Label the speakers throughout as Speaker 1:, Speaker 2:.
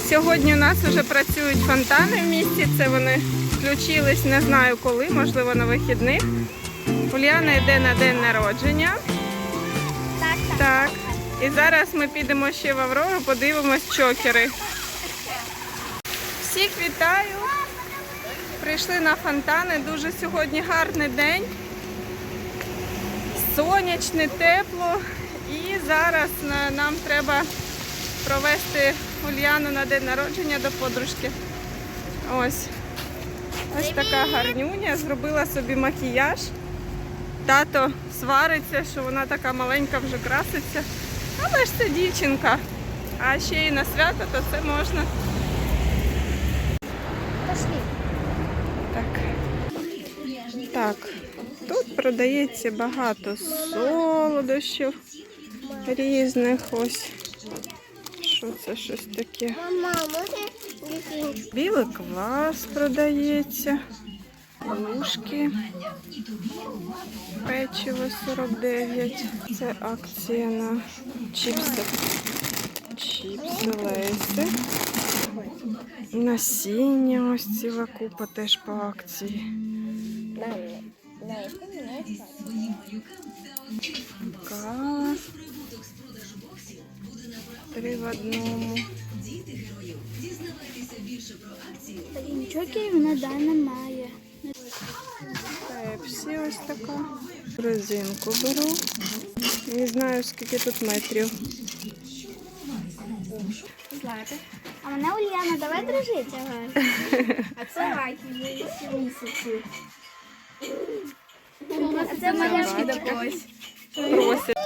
Speaker 1: Сьогодні у нас вже працюють фонтани в місті. Це вони включились, не знаю коли, можливо на вихідних. Уляна йде на день народження. Так. І зараз ми підемо ще в Аврору, подивимось чокери. Всіх вітаю! Прийшли на фонтани. Дуже сьогодні гарний день. Сонячне, тепло. І зараз нам треба провести Уляну на день народження до подружки. Ось така гарнюня. Зробила собі макіяж. Тато свариться, що вона така маленька вже краситься. Але ж це дівчинка. А ще й на свято, то це можна. Так, тут продається багато солодощів різних. Ось. Що це щось таке? Білий квас продається. Ложки. Печиво 49. Це акція на чіпси. Чіпси, лейси. Насіння, ось ціла купа теж по акції. Кава. 3 в одному.
Speaker 2: Чокерів на даний немає.
Speaker 1: Пепсі ось така. Резинку беру. Не знаю, скільки тут метрів.
Speaker 2: Знаєте? А мене Ульяна, давай дружити. Ага. А це Ракі, місяці. А це малявки до когось.
Speaker 1: Просить.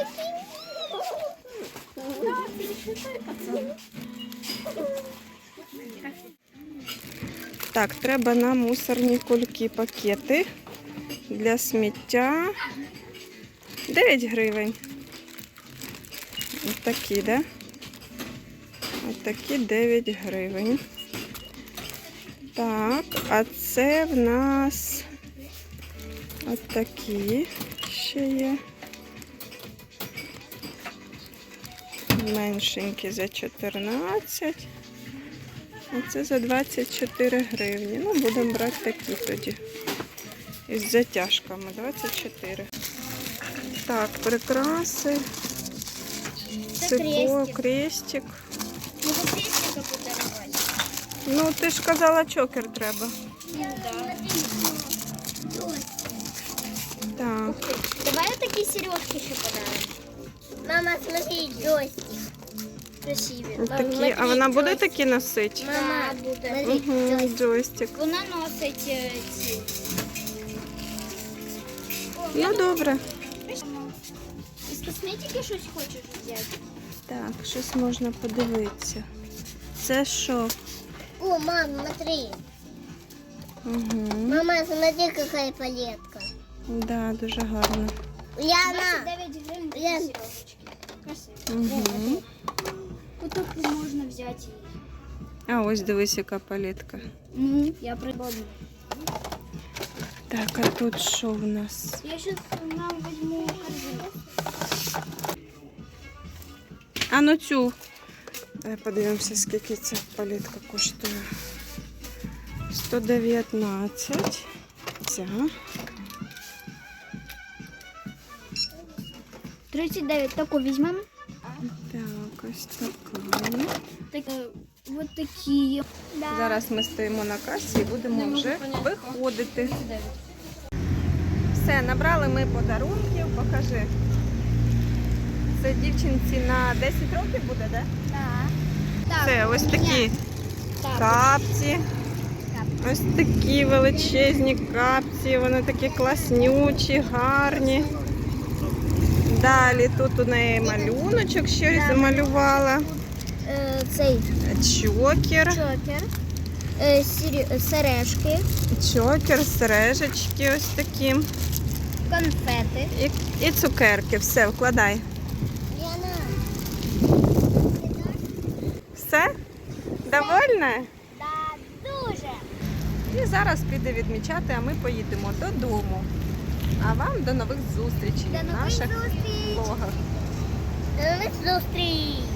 Speaker 1: Так, треба на мусорні кульки пакети для сміття. 9 гривень. Ось такі, да? Ось такі 9 гривень. Так, а це в нас ось такі ще є. Меншенькі за 14. А це за 24 гривні. Ну, будемо брати такі тоді. Із затяжками. 24. Так, прикраси. Цикло, крестик.
Speaker 2: Може крестика подарувати?
Speaker 1: Ну, ти ж казала, чокер треба. Так.
Speaker 2: Давай такі сережки ще подаримо. Мама, смотри, джойстик. Красиві.
Speaker 1: Такі. А вона буде такі носити?
Speaker 2: Мама буде.
Speaker 1: Угу, джойстик.
Speaker 2: Вона носить ці.
Speaker 1: Ну, добре.
Speaker 2: Із косметики щось хочеш взяти?
Speaker 1: Так, щось можна подивитися. Це що?
Speaker 2: О, мам, смотри.
Speaker 1: Угу.
Speaker 2: Мама, смотри, какая палетка.
Speaker 1: Да, дуже гарно.
Speaker 2: Ульяна. 9 гривень такі сережечки. Красиво.
Speaker 1: Угу.
Speaker 2: Тут можна взяти її.
Speaker 1: А ось дивись, яка палетка.
Speaker 2: Я придбала.
Speaker 1: Так, а тут що в нас?
Speaker 2: Я сейчас нам возьму корзину.
Speaker 1: А ну цю. Подивимося, скільки ця палетка коштує. 119. Ця.
Speaker 2: 39. Таку візьмемо.
Speaker 1: Так, ось така.
Speaker 2: Так, вот такі. Да.
Speaker 1: Зараз ми стоїмо на касі і будемо вже виходити. Все, набрали ми подарунків. Покажи. Це дівчинці на 10 років буде, так?
Speaker 2: Так.
Speaker 1: Це ось такі
Speaker 2: Так.
Speaker 1: капці. Ось такі величезні капці. Вони такі класнючі, гарні. Далі тут у неї малюночок щось замалювала.
Speaker 2: Цей
Speaker 1: Чокер.
Speaker 2: чокер. Сережки.
Speaker 1: Чокер, сережечки ось такі.
Speaker 2: Конфети.
Speaker 1: І цукерки. Все, вкладай. Все? Довольна?
Speaker 2: Да, дуже.
Speaker 1: І зараз піде відмічати, а ми поїдемо додому. А вам до нових зустрічей в наших влогах.
Speaker 2: До нових зустрічей.